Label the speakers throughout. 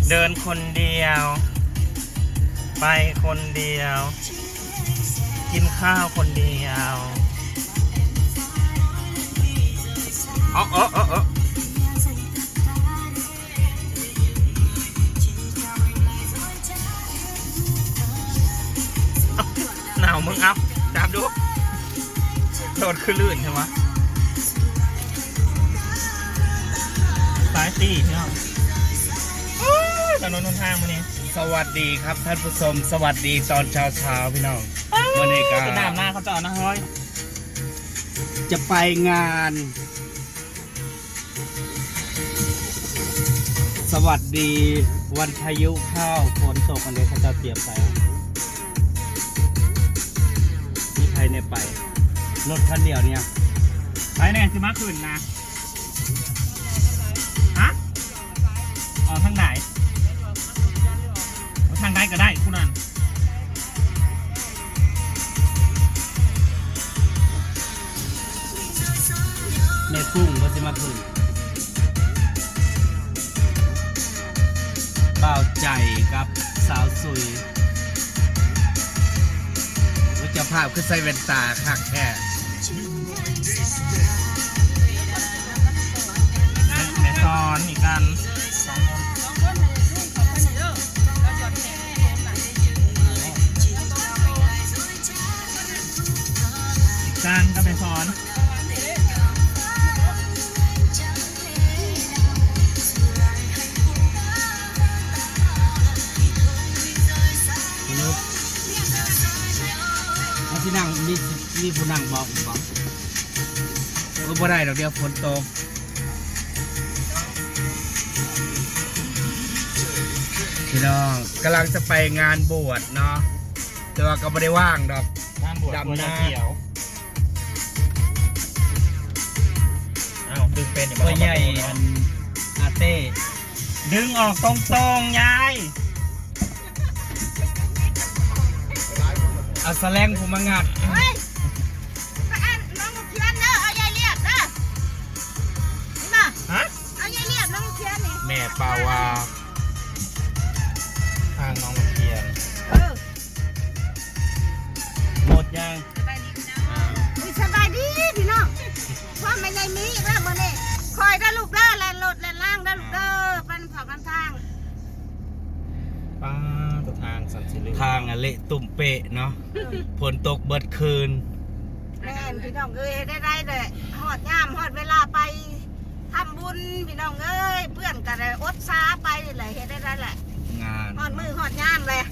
Speaker 1: เดินคนเดียวไปคนเดียวกินข้าวคนเดียวหนาวมึงเอาจับดูโดดขึ้นลื่นใช่ไหมสายตีพี่น้องถนนนนทางวันนี้
Speaker 2: สวัสดีครับท่านผู้ชมสวัสดีตอนเช้าพี่น้องวันนี้ก็
Speaker 1: จะน้ำหน้าเขาจะเอานะเฮ้ย
Speaker 2: จะไปงานสวัสดีวันพายุเข้าฝนตกอันนี้เขาจะเตรียมไปมีใครในไปรถคันเดียวเนี่ย
Speaker 1: ไปแน่สิมาขึ้นนะฮะอ๋อทางไหนทางใดก็ได้คุณนั่น
Speaker 2: แม่กุ้งก็จะมาขึ้นบ่าวใจกับสาวสุยว่าจะภาพคือใส่แว่นตาคักแค่
Speaker 1: แม่ซ้อนอีกกันการก็ไปสอน
Speaker 2: ที่นั่งมีผู้นั่งบอกก็บ่ได้ดอกเดียวฝนตกพี่น้องกำลังจะไปงานบวชเนาะแต่ว่าก็ไม่ได้ว่างดอก
Speaker 1: ดำนาเขียวดึงเป็น
Speaker 2: ตัวใหญ่อาเต้
Speaker 1: ดึงออกตรงๆยาย
Speaker 2: เอาแสลงผมมางัด
Speaker 3: น้องเขียนเด้อเอายายเรียบเด้อนี่มา
Speaker 1: ฮะ
Speaker 3: เอายายเรียบน้องเขียนนี่
Speaker 2: แม่ปาวา
Speaker 1: ทางน้องเขียนหมดยัง
Speaker 3: สบายดีพี่น้องพ่อไม่ยายมีอีกแล้วมื้อนี้คอยได้ลูกเด้อแล่นรถแล่นล่างได้ลูกเด้อเป็นเผากันทาง
Speaker 1: ป้าตัวทางสันสิริ
Speaker 2: ทางเละตุ่มเปะเนาะฝนตกเบิดคืน
Speaker 3: แม่พี่น้องเอ้ยได้เลยฮอดยามฮอดเวลาไปทำบุญพี่น้องเอ้ยเพื่อนกันเลยอดซาไปเลยเฮ็ดได้แหละ
Speaker 2: งาน
Speaker 3: ฮอดมือฮอดยามเลย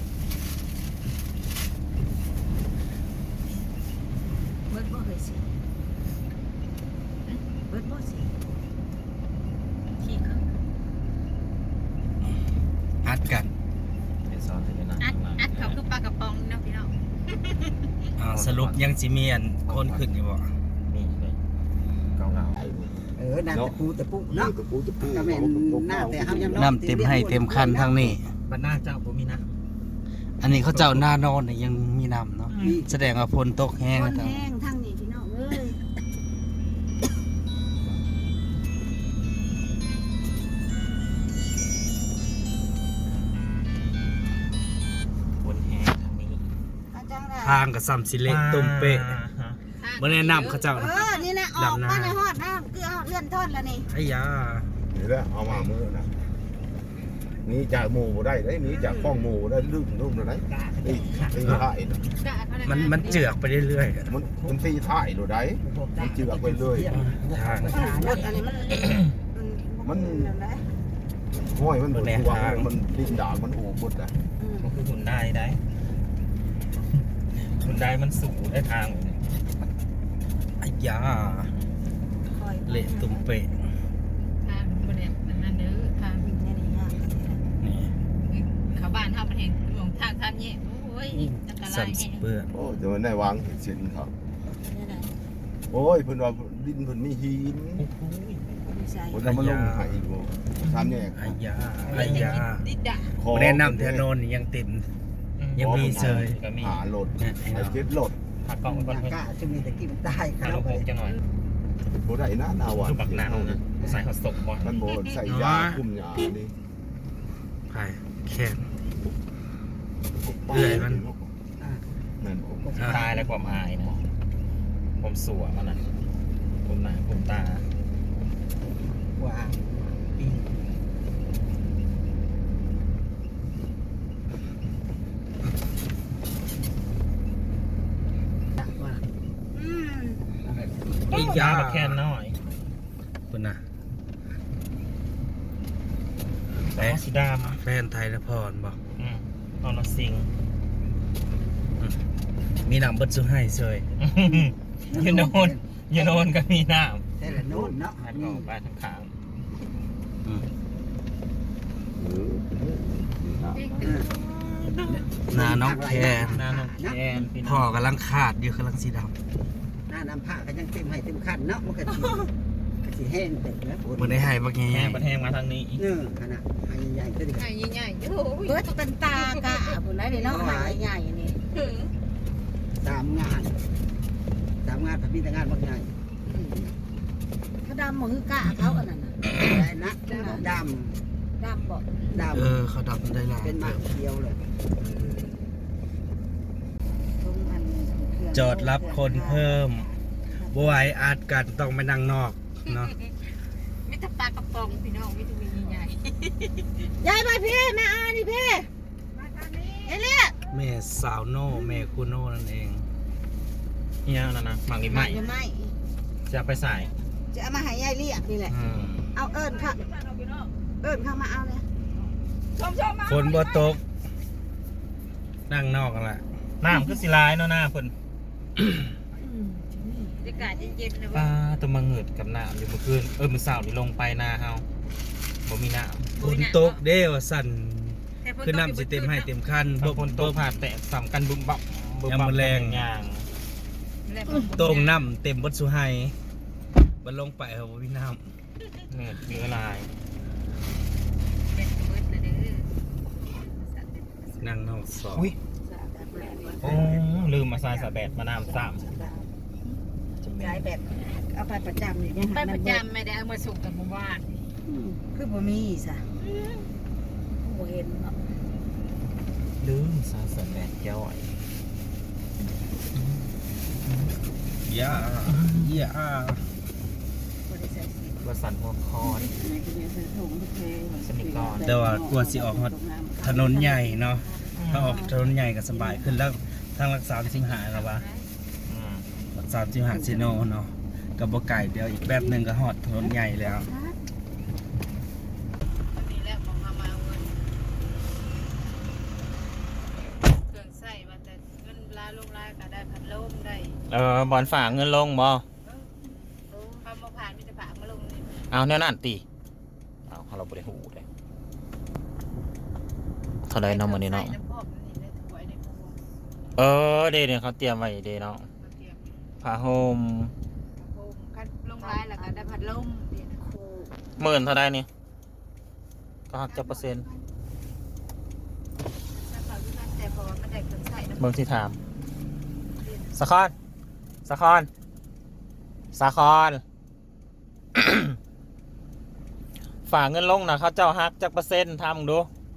Speaker 3: เบิดบ่เคยสิเบิดบ่สิที่เขา
Speaker 2: อัดกัน
Speaker 3: อัดเขาคือปลากระป๋องเนาะพี่น้อง
Speaker 2: สรุปยังสิมีอันคนขึ้นอยู่บ่
Speaker 1: มีเลยเกา
Speaker 4: น้ำตะปูตะปูเนาะตะปูก็แม่นหน้าแต่เฮายัง
Speaker 2: น้ำเต็มให้เต็มคันทางนี้
Speaker 1: บ้านหน้าเจ้าบ่มีนะ
Speaker 2: อันนี้เขาเจ้าหน้านอนเนี่ยยังมีน้ำเนาะแสดงว่าฝนตกแห้ง
Speaker 3: ฝนแห้งทางนี้พี่น้องเอ้ย
Speaker 2: ทางกับซัมซิเละตุ่มเปะบ่แนะนำเขาเจ้า
Speaker 3: นี่นะออกมาในฮอดนะคือเลื่อนต้นแล้วนี่
Speaker 2: ไอ้ยา
Speaker 4: นี่แหละเอามามือนะนี่จากหมู่ได้นี่จากข้องหมู่ได้ลุ่มได้ตีถ่าย
Speaker 2: มันเจือกไปเรื่อย
Speaker 4: มันตีถ่ายดูได้มันเจือกไปเรื่อย
Speaker 2: ทาง
Speaker 4: มันห้อยมันหมุนวางมันดิ้นด่างมันโอบหมดอ่ะ
Speaker 1: มันคือหุ่นได้หุ่นได้มันสูงได้ทาง
Speaker 2: ไอ้ยาเละตุ่มเปะ
Speaker 3: ทางบริเวณนั้นเด้อทางนี่เขาบ้านทำมันเห็นหลงทางทำเนี่ยโอ้ยอันตรายแฮะ
Speaker 4: โอ้จะมันได้วางเห็นสินครับโอ้ยเพิ่นว่าดินเพิ่นมีหินผมจะมาลงหายอีกบ่ทำเนี่ย
Speaker 2: ไอ้ยาแนะนำแถวนนยังเต็มยังมีเซย
Speaker 4: หาโหลดไอ้เจ็ดโหลด
Speaker 1: หักกล้องมัน
Speaker 4: กล้าจะมีตะกี้มันได้ค
Speaker 1: รับลงหกจะหน่อย
Speaker 4: บ่ได้นะนาวอ่ะ
Speaker 1: คือบักหนาวนะใส่หอดศพบ่
Speaker 4: มันบ่ใส่ยาคุมยาดิ
Speaker 2: ใครไปแค่เอื่อยมัน
Speaker 4: นั่น
Speaker 1: ตายแล้วความอายนะผมสัวมันน่ะผมหนาผมตา
Speaker 2: ว้าปีว่า
Speaker 3: อืม
Speaker 2: อีก
Speaker 1: ยา
Speaker 2: ย่า
Speaker 1: แค่น้อย
Speaker 2: คุณน่ะ
Speaker 1: แต่สีด
Speaker 2: แฟนไทยนพรบอก
Speaker 1: ำตอนเราซิง
Speaker 2: มีหนังเบิดสุให้เฉย
Speaker 1: ยูโนนยูโนนก็มีน้
Speaker 5: แต่ละโน่นเนาะ
Speaker 1: ำหันออกไปทางขาง
Speaker 2: หนาน้องแคน
Speaker 1: หน้าน้องแอนพี่น้
Speaker 2: พ่อ
Speaker 1: อง
Speaker 2: กำลังขาดอยู่กำลังสีด
Speaker 5: หน้าน้ำผ้าก็ยังเต็มให้เต็มคันเนาะมันก็สิแห้งเต็มแล้วฝน
Speaker 2: ำมันได้ให้บัก
Speaker 1: แห้
Speaker 2: แง่
Speaker 1: งประเทศมาทางนี้อีก
Speaker 5: เนื้อขนาดให้ใหญ่ก็ดี
Speaker 6: ใหญ่ใหญ่โอ้ย
Speaker 3: เบิดเป็นตากะพุ่นไรนี่เนาะหายใหญ่นี่
Speaker 5: 3 งานพระพิธงานบางใหญ่
Speaker 3: เขาดำมือกะเขาอันนั้นน่ะ
Speaker 5: ได้นะด
Speaker 3: ดำบอก
Speaker 5: ำ
Speaker 2: เขาดับได้หลาย
Speaker 5: เป็นหมากเขียวเลย
Speaker 3: ตรงอันเครื่อง
Speaker 2: จอดรับคนเพิ่มบไหวอาจกันต้องไปนั่งนอกเนาะ
Speaker 6: มิตรปลากระป๋องพี่น้องวิตามินใหญ่
Speaker 3: ยายมาพี่แม่อานี่พี่เอเลี่ย
Speaker 2: แม่สาวโน่แม่คูโน่นั่นเอง
Speaker 1: เนี่ยนั่นนะหมากลิ้น
Speaker 3: ไม่
Speaker 1: ไหม
Speaker 3: ไม่
Speaker 1: จะเอาไปใส่
Speaker 3: จะเอามาให้ยายเรียกนี่แหละ เอาเอิญค่ะเอิญเข้ามาเอาเลย
Speaker 2: ฝนบ่ตก นั่งนอกกันละ
Speaker 1: น้ำคือสิลายเนาะหน้าเพิ่น
Speaker 6: บรรยากาศเย็นๆนะ
Speaker 1: ปลา
Speaker 6: ว่า
Speaker 1: ตัวมาเหงืดกับน้ำอยู่เมื่อคืนมื้อเช้านี่ลงไปนาเฮาบ่มีน้ำ
Speaker 2: ฝนตกเด้ว่าสั่นคือน้ำสิเต็มให้เต็มคัน
Speaker 1: บางคนโตผ่าแตะสามกันบึมบับบึม
Speaker 2: ยาม
Speaker 1: บับ
Speaker 2: มื้อแลง
Speaker 1: อย่าง
Speaker 2: ตรงน้ำเต็มเบดสุให้บันลงไปเอาบ่มีน้
Speaker 1: เหงืดเนื้อลาย
Speaker 6: เป็นเบิดนะเด้อ
Speaker 2: ำนั่งนอกสอง
Speaker 1: อุ้ยโอ้ลืมมาใส่สะแบดมาน้ำซ้
Speaker 3: ยายแบบเอาไปประจำนี่ยัง
Speaker 6: ไปประจำไม่ได้เอามาส่งกับหมู่บ้าน
Speaker 3: คือบ่มีซะบ่เห็นเนาะ
Speaker 1: ำลืมใส่สะแบดย่อย
Speaker 2: ย่า
Speaker 3: บ่ได้ใส่สิ
Speaker 1: กระสันหัวคอน
Speaker 3: ไหนก็เนี่ยใส่ถุงทุกเพลง
Speaker 1: สนิทก่อน
Speaker 2: แต่ว่ากลัวสิออกฮอดถนนใหญ่เนาะถ้าออกถนนใหญ่ก็สบายขึ้นแล้วทางรักษาสิงหาแล้ววะ
Speaker 1: อืม
Speaker 2: รักษาสิงหาซิโนเนาะกับบ่ไก่เดียวอีกแป๊บหนึงก็ฮอดถนนใหญ่แล้ว
Speaker 6: นี่แหละของเขามาเอาเงินเครื่องใส่ว่าแต่เงินลาลงลายก็ได้พัดลมได้
Speaker 1: บอลฝากเงินลงบ่
Speaker 6: คำมาผ่านมิตรฝากมาลงนี่
Speaker 1: เอาแน่นั่นตีเอาเราบริหูเลยเท่าไรเนาะมื้อนี้เนาะ
Speaker 6: ใส่ำพอกนี่ได้ถวายในพวง
Speaker 1: เดี๋ยวเขาเตรียมไว้เด้เนาะ
Speaker 6: มาเตรียม
Speaker 1: ผ้าห่ม
Speaker 6: โฮมคันลงลายแล้วก็ได้พัดลมเดี๋ยวนะ
Speaker 1: 10,000เท่าไรนี่ก็หักจักเปอร์เซ็นต์
Speaker 6: ถ้าเขาที่มันแต่พอมันได้เครื่องใส่น้ำ
Speaker 1: เบิ่งที่ถามสะคอนสะคอนสะคอน ฝากเงินลงนะเขาเจ้าฮักจักเปอร์เซ็นต์ทำดู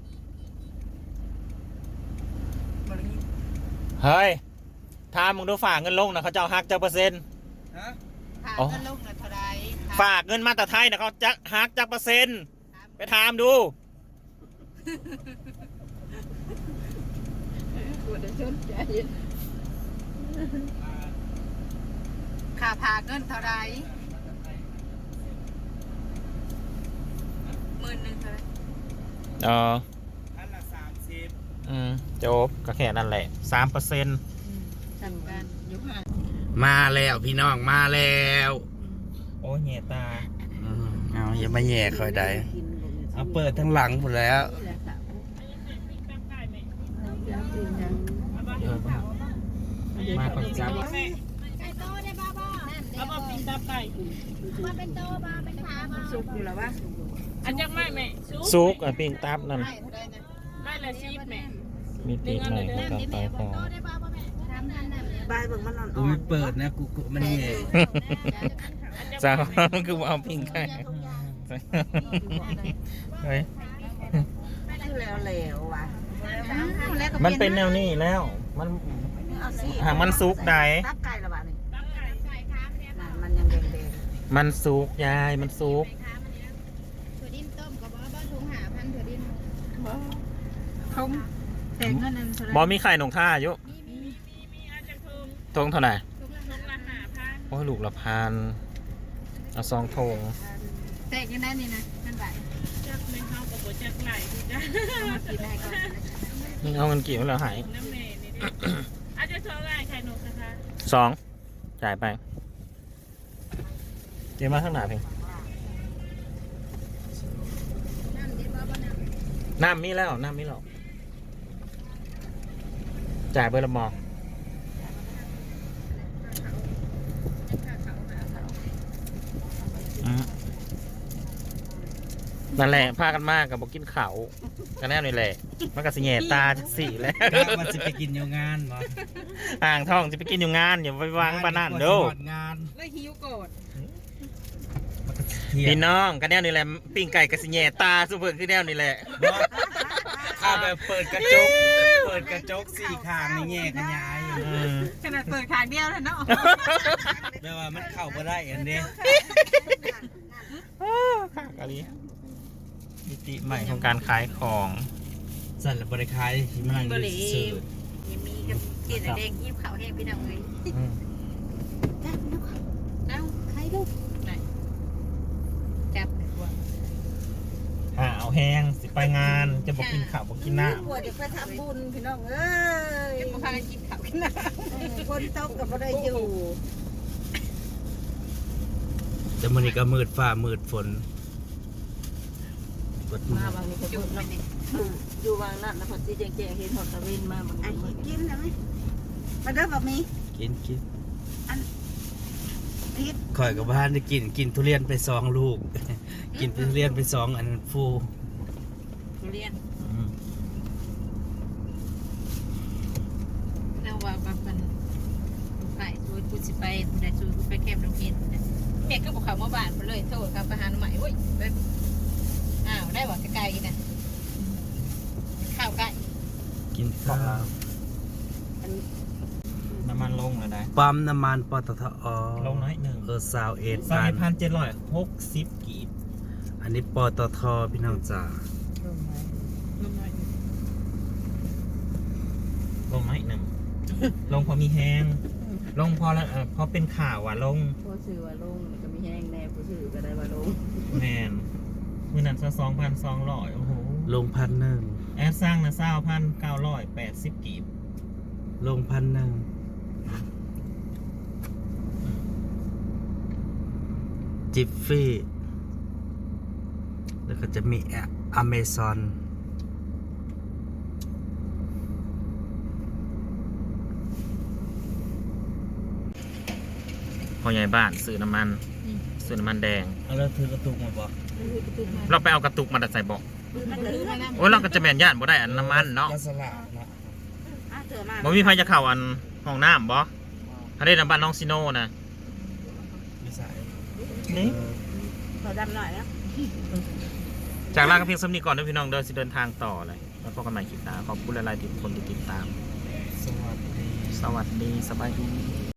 Speaker 6: บริ
Speaker 1: เฮ้ยทำมึงดูฝากเงินลงนะเขาเจ้าฮักจักเปอร์เซ็นต์
Speaker 6: ผ่าน
Speaker 1: อ๋อ
Speaker 6: ก็ลงนะเท่าไร
Speaker 1: ฝากเงินมาแต่ไทยนะเขาจะฮักจักเปอร์เซ็นต์ไปถามดู
Speaker 6: ค่าผ่าเงินเท่าไร10,000เท่าไร
Speaker 2: อันละ30
Speaker 1: จบก็แค่นั้นแหละ3%
Speaker 6: ทำกันอยู่ห่าง
Speaker 2: มาแล้วพี่น้องมาแล้ว
Speaker 1: โอ้ยเหยตา
Speaker 2: เอาอย่ามาแย่คอยใดเอาเปิดทั้งหลังหมดแล้ว
Speaker 1: มาก่อนจับ
Speaker 3: สุกอยู่แล้ววะ
Speaker 6: อันยังไม่แม่
Speaker 1: ซุกปิ้งตับนั่น
Speaker 6: ไม่ละชีพแม่
Speaker 1: มีปีกใหม่ก็ไปของ
Speaker 3: บายเบิ่งมันนอน
Speaker 2: กูไม่เปิดนะกูมันแย่
Speaker 1: จ้าคือว่าเอาปิ้งไก่เฮ้ย
Speaker 3: คือแล้วว่ะ
Speaker 1: มันเป็นแนวนี้แล้ว มัน
Speaker 3: เอาสิ
Speaker 1: หากมันสุกได้
Speaker 3: ตับไก่ละบาทนี่มันยังแดง
Speaker 1: มันสุกยายมันสุก
Speaker 6: ถั่วดินต้มกับบ่ถุงหาพันถั่วดิน
Speaker 3: ๆเขาแต่เงินนั้นเท่าไหร่
Speaker 1: บอมีไข่หนงท่าอยู่ทงเท่าไหร่โอ้ยลูกละพันเอาซองทง
Speaker 6: แตกยังได้นี่นะนั่นบาทจักไม่เข้ากับบ่จักไหลที่จ้ามากินได้ก่อน
Speaker 1: มึงเอาเงินกี่มาแล้วหาย
Speaker 6: น้ำแม่นี่ดิอาจจะเท่าไหร่ไข่นกนะคะ
Speaker 1: 2จ่ายไปเดี๋ยวมาข้างหน้าเพียง
Speaker 6: น้ำดิบ่บ่น้ำ
Speaker 1: น้ำมีแล้วจ่ายเบอร์ละมอนั่นแหละพากันมากกับบอกกินเขากันแน่นี่แหละมันก็สิแง่ตาจักสี่แล้ว
Speaker 2: ก็มันสิไปกินอยู่งานบ่
Speaker 1: อ่างทองจะไปกินอยู่งานอย่าไปวางบ้านนั่นเด้อ
Speaker 2: งาน
Speaker 6: แล้วหิวโกรธ
Speaker 2: มันก็เที่ย
Speaker 1: พี่
Speaker 2: ง
Speaker 1: น้องกันแน่นี่แหละปิ้งไก่กับสิแง่ตาสุเปิดขึ้นแน่นี่แหละ
Speaker 2: ข้าแบบเปิดกระจกสี่ข้างนี่แง่กันยายอยู่
Speaker 6: ขนาดเปิดขางเดียวแล้วเนาะ
Speaker 2: แปลว่ามันเข้าบ่ได้อันนี้
Speaker 1: ค่ะกะลีมิติใหม่ของการขายของ
Speaker 2: สั่นละบริคายที่มันนั่งอยู่ซื่อ
Speaker 6: ยังมีกับกินแดงยิ้มขาวแห้งพี่น้องเลย
Speaker 1: อืม
Speaker 6: เอ้าใครลูกไหนจับเลยว่า
Speaker 1: เอาแห้งสิไปงานจะบอกกินข้าวบอกกินน้
Speaker 3: กลัวจะไปทำบุญพี่น้องเอ้ย
Speaker 6: จะมาพากันกินข้าวกินน้ำ
Speaker 3: คนตกกับบ่ได้อยู่
Speaker 2: แต่มันนี่ก็มืดฟ้ามืดฝนกด
Speaker 7: มาบางนี้ก็พูดแล้วอยู่วางนั่นแล้วพอที่แจงๆเห็นหอดตะเวนมาบาง
Speaker 3: อัน
Speaker 7: ที
Speaker 3: นี้กินได้ไหมมาเด้อบ่มี
Speaker 2: กิน
Speaker 3: พิษ
Speaker 2: ข่อยกับบ้านได้กินทุเรียนไป2 ลูก กินทุเรียนไป2อันฟู
Speaker 6: ทุเรียน
Speaker 2: อืม
Speaker 6: แล้วว่าแบบมันไปช่วยกูสิไปได้ช่วยกูไปแคมป์โรงเรียนแม่ก็บอกเขามาบ้านมาเลยโทษกับประหารใหม่เว้ยแบบอ้าวได้บอกไกลๆนะข้าวไก่
Speaker 2: กินข้าว
Speaker 1: ำน้ำมันลงแล้วนะ
Speaker 2: ปั๊มน้ำมันปตท
Speaker 1: ลงน้อยหนึ่ง
Speaker 2: 21
Speaker 1: 2,760 กีบ
Speaker 2: อันนี้ปตทพี่น้องจ๋า
Speaker 1: ลงน้อยหนึ่งลงพอมีแห้งลงพอแล้วพอเป็นข่าวอ่ะลง
Speaker 7: ผู้ซื้อว่าลงก็มีแห้งแน่ผู้ซื้อก็ได้ว่าลง
Speaker 1: แมนมือนั้นซะ2,200โอ้โห
Speaker 2: ลง1,000
Speaker 1: แอดสร้างนะ9,980 กีบ
Speaker 2: ลง1,000จิฟฟี่แล้วก็จะมีอเมซอน
Speaker 1: พอใหญ่บ้านซื้อน้ำมันแดง
Speaker 2: เอาแล้วถือกระตุกมาบอก
Speaker 1: เราไปเอากระตุกมาดัดใส่เบอก
Speaker 6: มันถือมานะ
Speaker 1: โอ้ยเราก็จะแม่นย่านบ่ได้อันน้ำมันเนาะ
Speaker 2: ก็สละเนาะ
Speaker 3: เถื่อมา
Speaker 1: บ่มีใครจะเข้าอันห้องน้ำบ่ถ้าได้น้ำบ้านน้องซิโน่นะ
Speaker 2: ไม่ใส่
Speaker 1: นี่
Speaker 3: ขอดำหน่อยนะ
Speaker 1: จากลากันเพียงสำนีก่อนด้วยพี่น้องเดินสิเดินทางต่อเลยแล้วพบกันใหม่คลิปหน้าขอบคุณหลายๆที่ทุกคนที่ติดตาม
Speaker 2: สวัสดี
Speaker 1: สวัสดีสบายดี